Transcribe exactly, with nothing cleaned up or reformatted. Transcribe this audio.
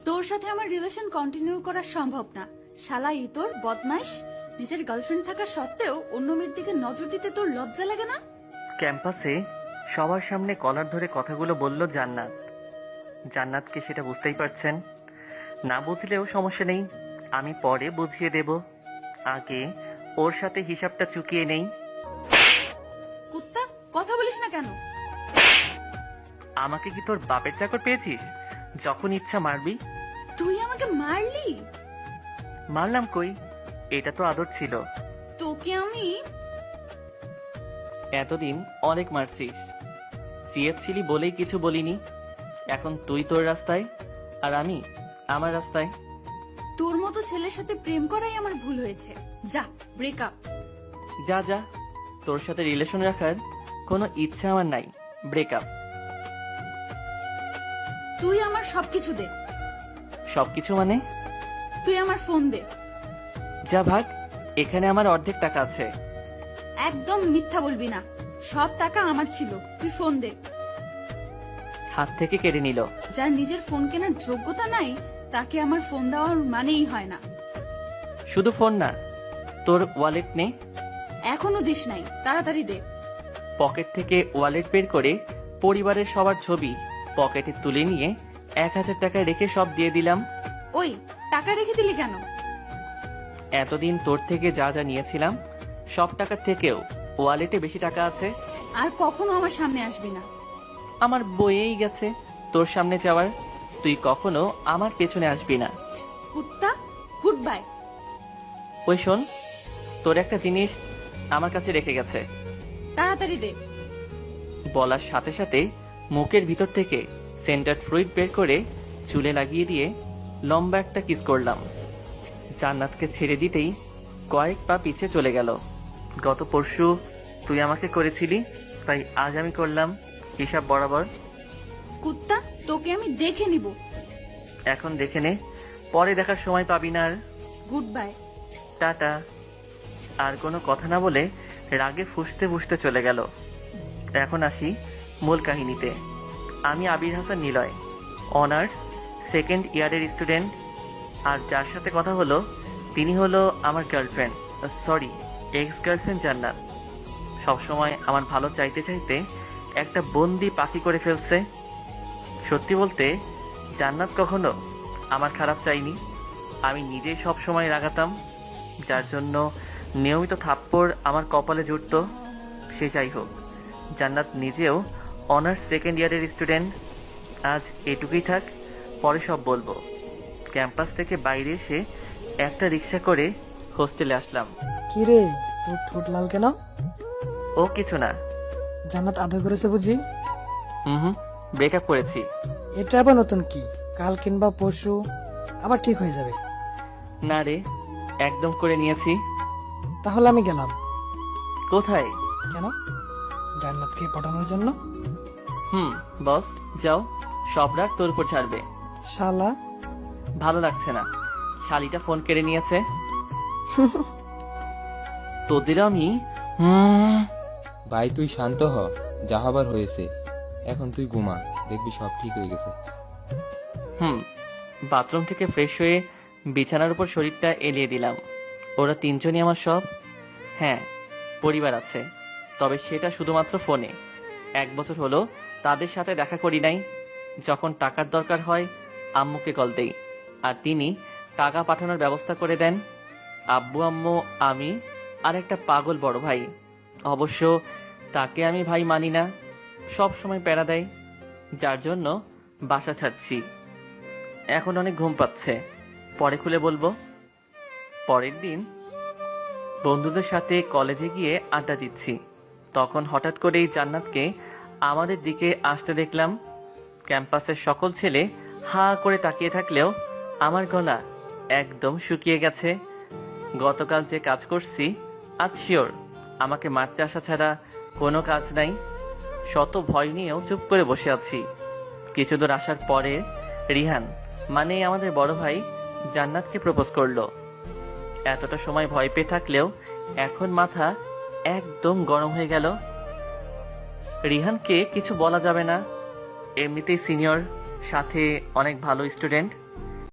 তোর সাথে আমার রিলেশন কন্টিনিউ করা সম্ভব না। শালা ই তোর বদমাইশ। নিজের গার্লফ্রেন্ড থাকা সত্ত্বেও অন্য মেয়ের দিকে নজর দিতে তোর লজ্জা লাগে না? ক্যাম্পাসে সবার সামনে কলার ধরে কথাগুলো বলল জান্নাত। জান্নাতকে সেটা বুঝতেই পারছেন। না বুঝলেও সমস্যা নেই, আমি পরে বুঝিয়ে দেব। আগে ওর সাথে হিসাবটা চুকিয়ে নেই। কুত্তা, কথা বলিস না কেন? আমাকে কি তোর বাপের চাকর পেয়েছিস? যখন ইচ্ছা মারবি। তুই আমাকে মারলি? মারলাম কই, এটা তো আদর ছিল। তোকে আমি এতদিন অনেক মারছিস, চেয়েছিলি বলেই কিছু বলিনি। এখন তুই তোর রাস্তায় আর আমি আমার রাস্তায়। তোর মতো ছেলের সাথে প্রেম করাই আমার ভুল হয়েছে। যা, ব্রেকআপ। যা যা, তোর সাথে রিলেশন রাখার কোনো ইচ্ছা আমার নাই। ব্রেকআপ। তুই আমার সবকিছু দে। সবকিছু মানে? তুই আমার ফোন দে। যা ভাগ, এখানে আমার অর্ধেক টাকা আছে। একদম মিথ্যা বলবি না, সব টাকা আমার ছিল। তুই ফোন দে। হাত থেকে কেড়ে নিল। যার নিজের ফোন কেনার যোগ্যতা নাই তাকে আমার ফোন দেওয়ার মানেই হয় না। শুধু ফোন না, তোর ওয়ালেট নে। এখনো দিস নাই, তাড়াতাড়ি দে। পকেট থেকে ওয়ালেট বের করে পরিবারের সবার ছবি পকেটে তুলে নিয়ে এক হাজার টাকায় রেখে সব দিয়ে দিলাম। ওই, টাকা রেখে দিলি কেন? এতদিন তোর থেকে যা যা নিয়েছিলাম সব টাকার থেকেও ওয়ালেটে বেশি টাকা আছে। আর কখনো আমার সামনে আসবি না। আমার বইয়েই গেছে তোর সামনে যাওয়ার। তুই কখনো আমার পেছনে আসবি না। কুত্তা, গুড বাই। ওই শোন, তোর একটা জিনিস আমার কাছে রেখে গেছে। তাড়াতাড়ি দে। বলার সাথে সাথে মুখের ভিতর থেকে সেন্টার ফ্রুইট বের করে চুলে লাগিয়ে দিয়ে লম্বা একটা কিস করলাম। জান্নাতকে ছেড়ে দিতেই কয়েক পা পিছে চলে গেল। গত পরশু তুই আমাকে করেছিলি, তাই আজ আমি করলাম, হিসাব বরাবর। কুত্তা, তোকে আমি দেখে নিব। এখন দেখে নে, পরে দেখার সময় পাবি না আর। Good bye. টাটা। আর কোনো কথা না বলে রাগে ফুঁসতে ফুঁসতে চলে গেল। এখন আসি মূল কাহিনীতে। আমি আবির হাসান নিলয়, অনার্স সেকেন্ড ইয়ারের স্টুডেন্ট। আর যার সাথে কথা হলো তিনি হলো আমার গার্লফ্রেন্ড, সরি এক্স গার্লফ্রেন্ড জান্নাত। সবসময় আমার ভালো চাইতে চাইতে একটা বন্দি পাখি করে ফেলছে। সত্যি বলতে জান্নাত কখনো আমার খারাপ চাইনি। আমি নিজেই সব সময় রাগাতাম, যার জন্য নিয়মিত থাপ্পড় আমার কপালে জুটত। সে যাই হোক, জান্নাত নিজেও অনার্স সেকেন্ড ইয়ারের স্টুডেন্ট। আজ এটুকুই থাক, পরে সব বলবো। ক্যাম্পাস থেকে বাইরে এসে একটা রিক্সা করে হোস্টেলে আসলাম। কি রে, তোর ঠোঁট লাল কেন? ও কিছু না। জান্নাত আদর করেছে বুঝি? হুম হুম, ব্রেকআপ করেছি। এটা আবার নতুন কি? কাল কিংবা পরশু আবার ঠিক হয়ে যাবে। না রে, একদম করে নিয়েছি। তাহলে আমি গেলাম। কোথায়? কেন? জান্নাতকে পটানোর জন্য। হুম বস, যাও, সব রাগ তোর উপর ছাড়বে। শালা, ভালো লাগছে না, শালিটা ফোন কেড়ে নিয়েছে। তোদের আমি হুম। ভাই তুই শান্ত হ, যা হবার হয়েছে। এখন তুই ঘুমা, দেখবি সব ঠিক হয়ে গেছে। হুম বাথরুম থেকে ফ্রেশ হয়ে বিছানার উপর শরীরটা এলিয়ে দিলাম। ওরা তিনজনই আমার সব। হ্যাঁ, পরিবার আছে, তবে সেটা শুধুমাত্র ফোনে। এক বছর হলো তাদের সাথে দেখা করি নাই। যখন টাকার দরকার হয় আম্মুকে কল দেই, আর তিনি টাকা পাঠানোর ব্যবস্থা করে দেন। আব্বু আম্মু আমি আর একটা পাগল বড় ভাই। অবশ্য তাকে আমি ভাই মানি না, সব সময় প্যারা দেয়, যার জন্য বাসা ছাড়ছি। এখন অনেক ঘুম পাচ্ছে, পরে খুলে বলবো। পরের দিন বন্ধুদের সাথে কলেজে গিয়ে আড্ডা দিচ্ছি, তখন হঠাৎ করেই জান্নাতকে আমাদের দিকে আসতে দেখলাম। ক্যাম্পাসের সকল ছেলে হা করে তাকিয়ে থাকলেও আমার গলা একদম শুকিয়ে গেছে। গতকাল যে কাজ করছি আজ শিওর আমাকে মারতে আসা ছাড়া কোনো কাজ নাই। শত ভয় নিয়েও চুপ করে বসে আছি। কিছু দূর আসার পরে রিহান মানে আমাদের বড় ভাই জান্নাতকে প্রপোজ করলো। এতটা সময় ভয় পেয়ে থাকলেও এখন মাথা একদম গরম হয়ে গেল। রিহানকে কিছু বলা যাবে না, এমনিতেই সিনিয়র, সাথে অনেক ভালো স্টুডেন্ট।